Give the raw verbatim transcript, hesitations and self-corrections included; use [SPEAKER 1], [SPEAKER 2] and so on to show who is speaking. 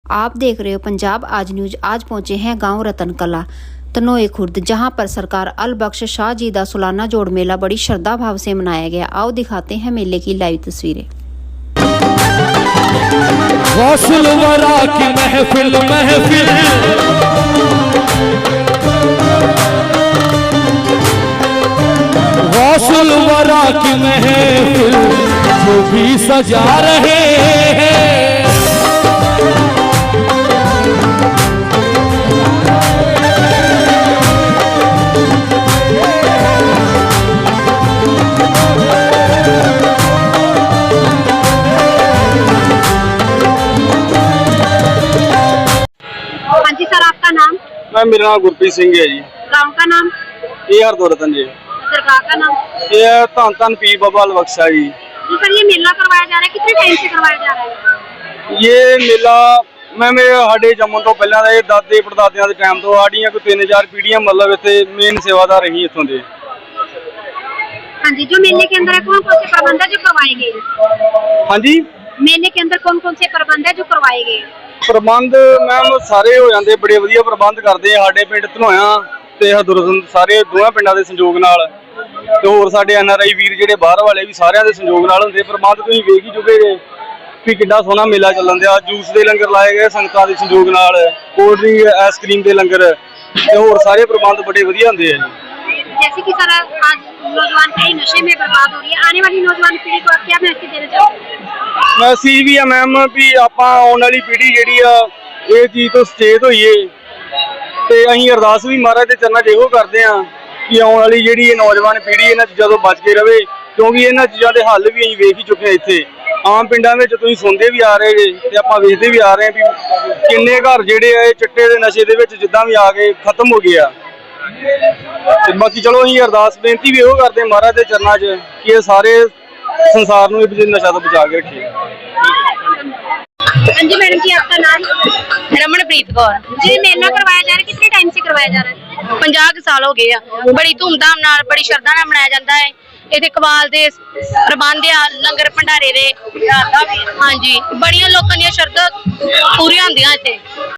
[SPEAKER 1] आप देख रहे हो पंजाब आज न्यूज। आज पहुंचे हैं गांव रतन कला तनोए खुर्द, जहां पर सरकार अल बख्श शाह जी का सालाना जोड़ मेला बड़ी श्रद्धा भाव से मनाया गया। आओ दिखाते हैं मेले की लाइव तस्वीरें।
[SPEAKER 2] गौसुल वरा की महफिल महफिल गौसुल वरा की महफिल जो भी सजा रहे हैं।
[SPEAKER 3] हाँ जी सर, आपका नाम?
[SPEAKER 4] मैं मेरा नाम गुरप्रीत सिंह है जी।
[SPEAKER 3] गांव का नाम?
[SPEAKER 4] ये हरदोरतन जी।
[SPEAKER 3] दरगाह का नाम?
[SPEAKER 4] ये धन धन पीर बाबा अल बख्शा जी।
[SPEAKER 3] जी सर, ये मेला करवाया जा रहा है, कितने टाइम से करवाया जा रहा है?
[SPEAKER 4] ये मेला मैं मेरे साढ़े जम्मू तो पहला ਦਾ ਇਹ ਦਾਦੇ ਪੜਦਾਦਿਆਂ ਦੇ ਟਾਈਮ ਤੋਂ ਸਾਡੀਆਂ ਕੋਈ तीन चार पीढ़ियां मतलब ਇੱਥੇ मेन सेवादार रही इत्थों दे।
[SPEAKER 3] हाँ जी, जो मेले के अंदर कौन कौन से प्रबंध है जो करवाए गए?
[SPEAKER 4] हाँ जी,
[SPEAKER 3] मेले के अंदर कौन कौन से प्रबंध है जो करवाए गए?
[SPEAKER 4] ਪ੍ਰਬੰਧ ਮੈਮ ਸਾਰੇ ਹੋ ਜਾਂਦੇ, ਬੜੇ ਵਧੀਆ ਪ੍ਰਬੰਧ ਕਰਦੇ ਆ ਸਾਡੇ ਪਿੰਡ ਧਨੋਇਆ ਤੇ ਹਰਦੁਰਤਨ, ਸਾਰੇ ਦੋਵਾਂ ਪਿੰਡਾਂ ਦੇ ਸੰਯੋਗ ਨਾਲ ਤੇ ਹੋਰ ਸਾਡੇ ਐਨ ਆਰ ਆਈ ਵੀਰ ਜਿਹੜੇ ਬਾਹਰ ਵਾਲੇ ਵੀ ਸਾਰਿਆਂ ਦੇ ਸੰਯੋਗ ਨਾਲ ਹੁੰਦੇ। ਪ੍ਰਬੰਧ ਤੁਸੀਂ ਵੇਖ ਹੀ ਚੁੱਕੇ ਜੇ ਵੀ ਕਿੱਡਾ ਸੋਹਣਾ ਮੇਲਾ ਚੱਲਣ ਦਿਆ। ਜੂਸ ਦੇ ਲੰਗਰ ਲਾਏ ਗਏ ਸੰਗਤਾਂ ਦੇ ਸੰਯੋਗ ਨਾਲ, ਕੋਲਡ ਡਰਿੰਕ ਆਈਸਕ੍ਰੀਮ ਦੇ ਲੰਗਰ ਤੇ ਹੋਰ ਸਾਰੇ ਪ੍ਰਬੰਧ ਬੜੇ ਵਧੀਆ ਹੁੰਦੇ ਆ ਜੀ।
[SPEAKER 3] जैसे कि सर आज नौजवान पीढ़ी नशे में बर्बाद हो रही है, आने वाली नौजवान पीढ़ी को आप क्या मैसेज देना चाहोगे?
[SPEAKER 4] ਮੈਸੇਜ ਵੀ ਆ ਮੈਮ ਵੀ ਆਪਾਂ ਆਉਣ ਵਾਲੀ ਪੀੜ੍ਹੀ ਜਿਹੜੀ ਆ ਇਹ ਚੀਜ਼ ਤੋਂ ਸੁਚੇਤ ਹੋਈਏ ਤੇ ਅਸੀਂ ਅਰਦਾਸ ਵੀ ਮਹਾਰਾਜ ਦੇ ਚਰਨਾਂ 'ਚ ਇਹੋ ਕਰਦੇ ਆ ਕਿ ਆਉਣ ਵਾਲੀ ਜਿਹੜੀ ਇਹ ਨੌਜਵਾਨ ਪੀੜ੍ਹੀ ਇਹਨਾਂ ਚੀਜ਼ਾਂ ਤੋਂ ਬਚ ਕੇ ਰਵੇ, ਕਿਉਂਕਿ ਇਹਨਾਂ ਚੀਜ਼ਾਂ ਦੇ ਹੱਲ ਵੀ ਅਸੀਂ ਵੇਖ ਹੀ ਚੁੱਕੇ ਹਾਂ। ਇੱਥੇ ਆਮ ਪਿੰਡਾਂ ਵਿੱਚ ਤੁਸੀਂ ਸੁਣਦੇ ਵੀ ਆ ਰਹੇ ਜੇ ਤੇ ਆਪਾਂ ਵੇਖਦੇ ਵੀ ਆ ਰਹੇ ਵੀ ਕਿੰਨੇ ਘਰ ਜਿਹੜੇ ਆ ਇਹ ਚਿੱਟੇ ਦੇ ਨਸ਼ੇ ਦੇ ਵਿੱਚ ਜਿੱਦਾਂ ਵੀ ਆ ਗਏ ਖਤਮ ਹੋ ਗਏ ਆ। ਤੇ ਬਾਕੀ ਚਲੋ ਅਸੀਂ ਅਰਦਾਸ ਬੇਨਤੀ ਵੀ ਇਹੋ ਕਰਦੇ ਮਹਾਰਾਜ ਦੇ ਚਰਨਾਂ 'ਚ ਕਿ ਇਹ ਸਾਰੇ ਸੰਸਾਰ ਨੂੰ ਇਹ ਨਸ਼ਾ ਤੋਂ ਬਚਾ ਕੇ ਰੱਖੇ।
[SPEAKER 3] हाँ जी मैडम जी, आपका नाम?
[SPEAKER 5] रमनप्रीत कौर।
[SPEAKER 3] जी, मेला करवाया जा रहा है, कितने टाइम से करवाया जा रहा है?
[SPEAKER 5] पंजाह साल हो गए आ। बड़ी धूमधाम नाल बड़ी श्रद्धा नाल मनाया जाता है। इत्थे कबाल दे प्रबंध आ, लंगर भंडारे दे। हाँ जी, बड़ियां लोकां दी श्रद्धा पूरी होंदियां इत्थे।